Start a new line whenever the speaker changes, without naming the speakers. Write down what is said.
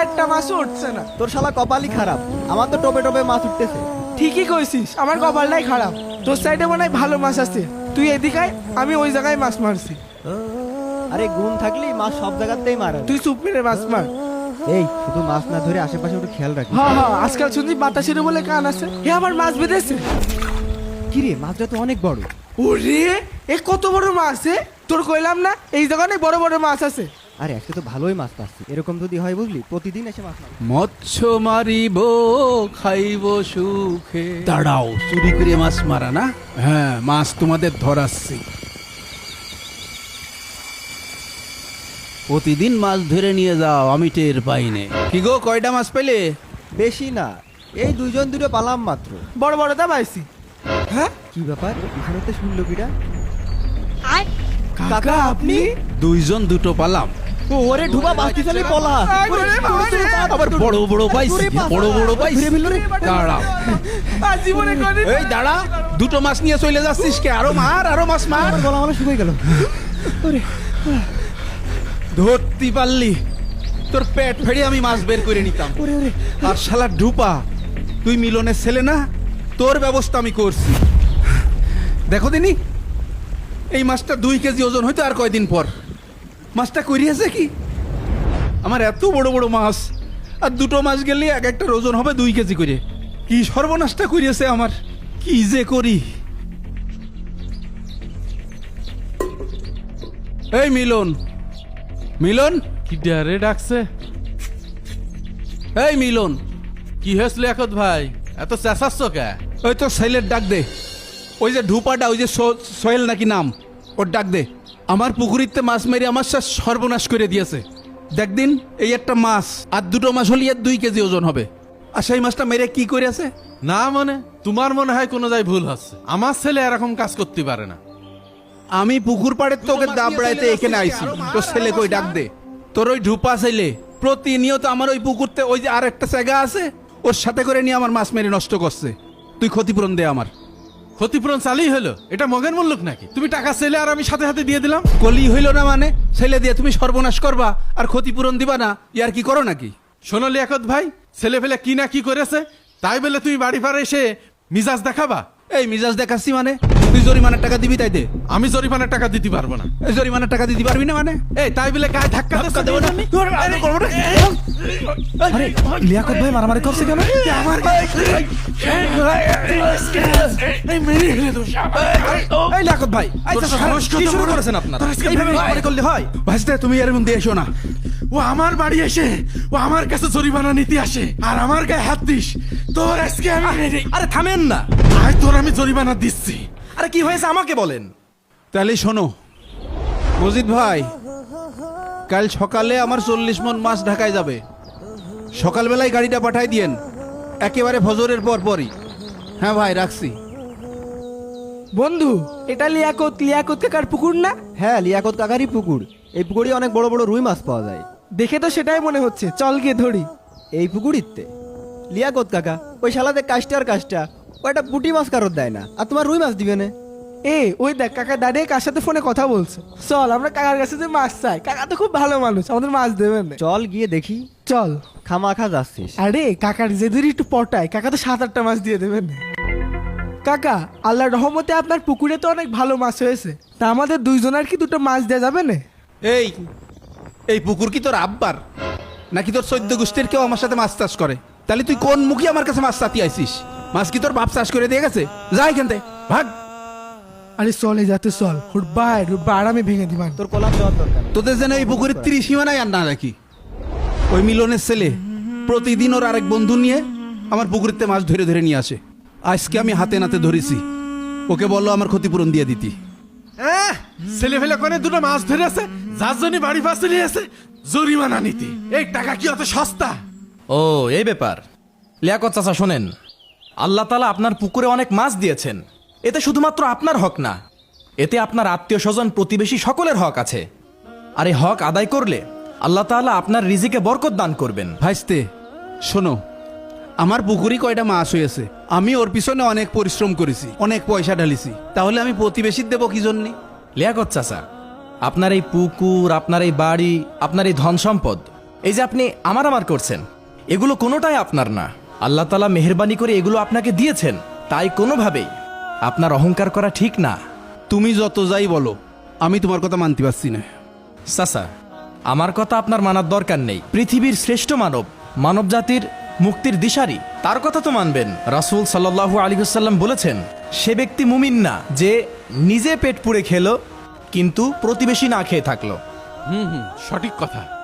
একটা মাছও উঠছে না।
তোর শালা কপালই খারাপ, আমার তো টোপে টোপে মাছ উঠতেছে।
ঠিকই কইছিস, আমার কপালটাই খারাপ। তোর সাইডে মনে হয় ভালো মাছ আছে, তুই এদিকে আয়, আমি ওই জায়গায় মাছ মারছি।
আরে গুণ থাকলেই মাছ সব জায়গাতেই মারা।
তুই চুপ মেরে মাছ মার।
এই শুধু মাছ না ধরে আশেপাশে একটু খেয়াল রাখি।
হ্যাঁ হ্যাঁ, আজকাল শুনছি বাতাসের বলে কান আছে। হে আমার মাছ বেঁধেছে।
কিরে মাছটা তো অনেক বড়।
ওরে এ কত বড় মাছ হে? তোর কইলাম না এই জায়গায় বড় বড় মাছ আছে।
আরে আজকে তো ভালোই মাছ পাচ্ছি, এরকম যদি হয় বুঝলি প্রতিদিন এসে মাছ মারবো।
মৎস্য মারিব খাইব সুখে। দাঁড়াও, চুরি করে মাছ মারা না? হ্যাঁ, মাছ তোমাদের ধরাচ্ছি। প্রতিদিন মাছ ধরে নিয়ে যাও, আমি টের পাইনে। কি গো, কয়টা মাছ পেলে?
বেশি না, এই দুইজন দুটো পালাম মাত্র।
বড় বড়টা পাইছি। হ্যাঁ
কি ব্যাপার, এখানে তো শুনলো কিটা?
কাকা আপনি?
দুইজন দুটো পালাম।
ওরে ঢুবা বাস্তি চলে পলা।
আবার বড় বড় পাইছি, বড় বড় পাইছি। দাঁড়াও,
আর জীবনে কোনদিন
এই দাঁড়া, দুটো মাছ নিয়ে চলে যাচ্ছিস কে? আরো মার, আরো মাছ মার।
গলা মানে শুকিয়ে গেল।
ধরতে পারলি, তোর পেট ফেড়ে আমি মাছ বের করে নিতাম। আর শালা ঢুপা, তুই মিলনের ছেলে না? তোর ব্যবস্থা আমি করছি। দেখো দিনি, এই মাছটা 2 কেজি ওজন হইতো আর কয়দিন পর। মাছটা করিয়েছে কি? আমার এত বড় বড় মাছ, আর দুটো মাছ গেলে এক একটার ওজন হবে 2 কেজি করে। কি সর্বনাশটা করিয়েছে আমার, কি যে করি। এই মিলন, মিলন,
কি ডারে ডাকছে?
এই মিলন,
কি হয়েছিল একত ভাই, এত চেঁচাচ্ছ কে?
ওই তো সাইলের ডাক দে। ওই যে ঢুপাটা, ওই যে সোহেল নাকি নাম, ওর ডাক দে। আমার পুকুরিতে মাছ মেরে আমার সব সর্বনাশ করে দিয়েছে। দেখ দিন, এই একটা মাছ আর দুটো মাছ হলে 2 কেজি ওজন হবে। আর সেই মাছটা মেরে কি করে আছে?
না মনে, তোমার মনে হয় কোনো যাই ভুল হচ্ছে। আমার ছেলে এরকম কাজ করতে পারে না।
আমি পুকুর পাড়ের তোকে দাবড়াইতে এখানে আইছি। তোর ছেলে কই, ডাক দে। তোর ওই ঢুপা ছেলে প্রতিনিয়ত আমার ওই পুকুরতে, ওই যে আর একটা জায়গা আছে, ওর সাথে করে নিয়ে আমার মাছ মেরে নষ্ট করছে। তুই ক্ষতিপূরণ দে আমার।
ক্ষতিপূরণ চালই হলো, এটা মগের মূল্যক নাকি? তুমি টাকা ছেলে আর আমি সাথে সাথে দিয়ে দিলাম।
কলি হইল না মানে? ছেলে দিয়ে তুমি সর্বনাশ করবা আর ক্ষতিপূরণ দিবা না, ইয়ার কি করো নাকি?
শোনো লিয়াকত ভাই, ছেলে ফেলে কি না কি করেছে, তাই বলে তুমি বাড়ি পারে এসে মিজাজ দেখাবা?
এই মিজাজ দেখাচ্ছি মানে? তুই জরিমানার টাকা দিবি তাই দে।
আমি জরিমানার টাকা দিতে পারবো না।
এই জরিমানার টাকা দিতে পারবি না মানে?
এই তাই বলে গায়ে ধাক্কা
দেবো না আমি?
আরে লিয়াকত ভাই মারামারি করছে কেন?
এই লাকত ভাই, কি শুরু করেছেন আপনারা? এইভাবে মারামারি করলে হয়? ভাইস্তে, তুমি এর মধ্যে এসো না।
ও আমার বাড়ি এসে ও আমার কাছে জরিমানা নিতে আসে আর আমার গায়ে হাত দিস, তোর আজকে আমি।
আরে থামেন না।
আয়, তোর আমি জরিমানা দিচ্ছি।
আরে কি হয়েছে আমাকে বলেন।
তাহলে শোনো মজিদ ভাই, কাল সকালে আমার 40 মণ মাছ ঢাকায় যাবে। সকালবেলায় গাড়িটা পাঠাই দিয়েন, একেবারে ফজরের পর পরই। হ্যাঁ ভাই, রাখছি।
বন্ধু, এটা লিয়াকত কাকার পুকুর না?
হ্যাঁ, লিয়াকত কাকারই পুকুর। এই পুকুরে অনেক বড় বড় রুই মাছ পাওয়া যায়।
দেখে তো সেটাই মনে হচ্ছে, চল গিয়ে ধরি।
এই পুকুরিতে লিয়াকত কাকা ওই শালাতে কাজটা আর কাজটা, ও একটা পুঁটি মাছ কারোর দেয় না, আর তোমার রুই মাছ দিবে না।
ওই দেখ কাকা দাঁড়িয়ে কার সাথে ফোনে কথা বলছে। চল আমরা কাকার কাছে যে মাছ চাই, কাকা তো খুব ভালো মানুষ, আমাদের মাছ দেবেন না।
চল গিয়ে দেখি।
চল।
খামাখা যাচ্ছিস?
আরে কাকার যে ধরি একটু পটায়, কাকা তো 7-8টা মাছ দিয়ে দেবেন। কাকা, আল্লাহর রহমতে আপনার পুকুরে তো অনেক ভালো মাছ হয়েছে, তা আমাদের দুইজনের কি দুটো মাছ দেওয়া যাবে না?
এই এই পুকুর কি তোর আব্বার নাকি তোর 14 গোষ্ঠীর কেউ আমার সাথে মাছ চাষ করে? তাহলে তুই কোন মুখে আমার কাছে মাছ চাতি আইছিস? মাছ কি তোর বাপ চাষ করে দিয়ে গেছে? যা এখান থেকে, ভাগ।
আরে চলে যাতে চল, হুটবা আরামে ভেঙে দিবান।
তোর কলার দেওয়ার দরকার।
তোদের যেন এই পুকুরের 30 সীমানায় আর না রাখি। ওই মিলনের ছেলে প্রতিদিন ওর আরেক বন্ধু নিয়ে আমার পুকুরেতে মাছ ধরে ধরে নিয়ে আসে। আজকে আমি হাতে নাতে ধরেছি, ওকে বললো আমার ক্ষতিপূরণ দিয়ে দিতি।
ছেলে ফেলে কোনে দুটো মাছ ধরে আছে, যার জন্য বাড়ি পাশে নিয়ে আছে জরিমানা নিতে। এই টাকা কি অত সস্তা?
ও এই ব্যাপার। লিয়াকত চাচা শোনেন, আল্লাহ তাআলা আপনার পুকুরে অনেক মাছ দিয়েছেন, এতে শুধুমাত্র আপনার হক না, এতে আপনার আত্মীয় স্বজন প্রতিবেশী সকলের হক আছে। আর এই হক আদায় করলে আল্লাহ তাআলা আপনার রিজিকে বরকত দান করবেন।
ভাইস্তে শোনো, আমার পুকুরি কয়টা মাছ হয়েছে, আমি ওর পিছনে অনেক পরিশ্রম করেছি, অনেক পয়সা ঢালিছি, তাহলে আমি প্রতিবেশীর দেবো কি জন্যে?
লিয়াকত চাচা, আপনার এই পুকুর, আপনার এই বাড়ি, আপনার এই ধন সম্পদ এই যে আপনি আমার আমার করছেন, এগুলো কোনোটাই আপনার না। আল্লাহ তাআলা মেহেরবানি করে এগুলো আপনাকে দিয়েছেন, তাই কোনোভাবেই আপনার অহংকার করা ঠিক না।
তুমি যত যাই বলো, আমি তোমার কথা মানতে পারছি না।
চাচা, আমার কথা আপনার মানার দরকার নেই। পৃথিবীর শ্রেষ্ঠ মানব, মানব জাতির মুক্তির দিশারি, তার কথা তো মানবেন। রাসূল সাল্লাল্লাহু আলাইহি ওয়াসাল্লাম বলেছেন, সে ব্যক্তি মুমিন না যে নিজে পেট পুড়ে খেলো কিন্তু প্রতিবেশী না খেয়ে থাকলো।
সঠিক কথা।